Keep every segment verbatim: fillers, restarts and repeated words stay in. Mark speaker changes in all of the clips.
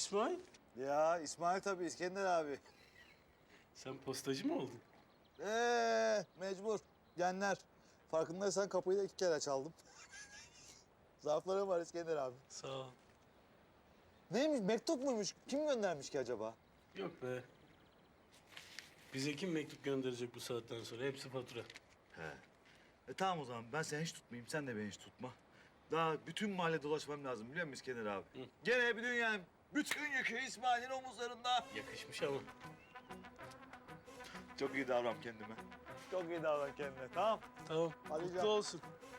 Speaker 1: İsmail,
Speaker 2: Ya İsmail tabii, İskender abi.
Speaker 1: sen postacı mı oldun?
Speaker 2: Ee, mecbur. Genler. Farkındaysan kapıyı da iki kere çaldım. Zarflarım var İskender abi.
Speaker 1: Sağ ol.
Speaker 2: Neymiş, mektup muymuş? Kim göndermiş ki acaba?
Speaker 1: Yok be. Bize kim mektup gönderecek bu saatten sonra? Hepsi fatura.
Speaker 3: He. E tamam o zaman ben seni hiç tutmayayım, sen de beni hiç tutma. Daha bütün mahalle dolaşmam lazım biliyor musun İskender abi?
Speaker 1: Hı.
Speaker 2: Gene bir dünyanın bütün yükü İsmail'in omuzlarında.
Speaker 1: Yakışmış ama.
Speaker 3: Çok iyi davran kendime.
Speaker 2: Çok iyi davran kendine, tamam.
Speaker 1: Tamam,
Speaker 2: Hadi
Speaker 1: mutlu
Speaker 2: canım.
Speaker 1: olsun.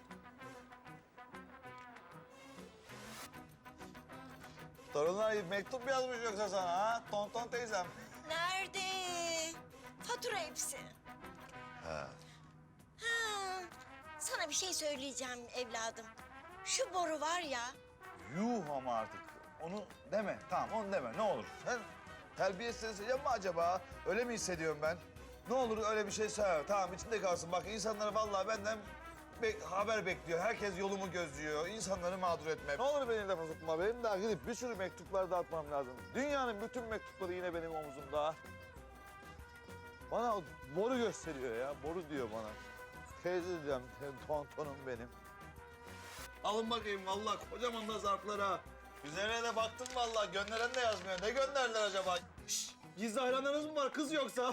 Speaker 2: Torunlar mektup mu yazmış yoksa sana ha? Tonton teyzem.
Speaker 4: Nerede? Fatura hepsi.
Speaker 2: Ha.
Speaker 4: Ha, sana bir şey söyleyeceğim evladım. Şu boru var ya,
Speaker 2: Yuh ama artık. Onu deme, tamam onu deme ne olur. Sen terbiyesiz hissedecek mi acaba? Öyle mi hissediyorum ben? Ne olur öyle bir şey söyle. Tamam içinde kalsın. Bak insanlar vallahi benden bek haber bekliyor. Herkes yolumu gözlüyor. İnsanları mağdur etme. Ne olur beni lafa tutma. Benim daha gidip bir sürü mektuplar dağıtmam lazım. Dünyanın bütün mektupları yine benim omuzumda. Bana boru gösteriyor ya. Boru diyor bana. Teyze diyeceğim. Tontonum benim. Alın bakayım vallahi kocaman da zarflara. Üzerine de baktım vallahi gönderen de yazmıyor. Ne gönderdiler acaba? Şşş, gizli hayranlarınız mı var kız yoksa?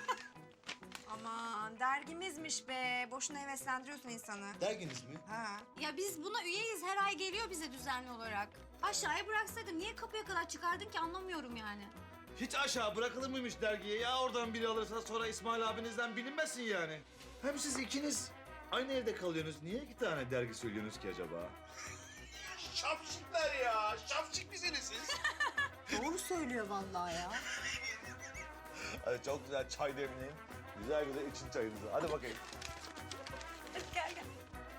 Speaker 5: Aman dergimizmiş be. Boşuna heveslendiriyorsun insanı.
Speaker 2: Derginiz mi?
Speaker 5: Ha.
Speaker 6: Ya biz buna üyeyiz. Her ay geliyor bize düzenli olarak. Aşağıya bıraksaydın niye kapıya kadar çıkardın ki anlamıyorum yani.
Speaker 2: Hiç aşağı bırakılır mıymış dergiye ya? Oradan biri alırsa sonra İsmail abinizden bilinmesin yani.
Speaker 3: Hem siz ikiniz aynı evde kalıyorsunuz. Niye iki tane dergi söylüyorsunuz ki acaba?
Speaker 2: Şapşikler ya. Şapşik misiniz siz?
Speaker 5: Doğru söylüyor vallahi ya.
Speaker 2: Hadi çok güzel çay demleyin. Güzel güzel için çayınızı. Hadi bakayım.
Speaker 5: Hadi gel gel.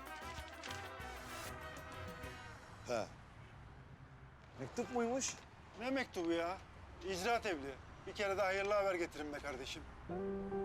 Speaker 2: He. Mektup muymuş?
Speaker 7: Ne mektubu ya? İcra tebliği. Bir kere de hayırlı haber getirin be kardeşim.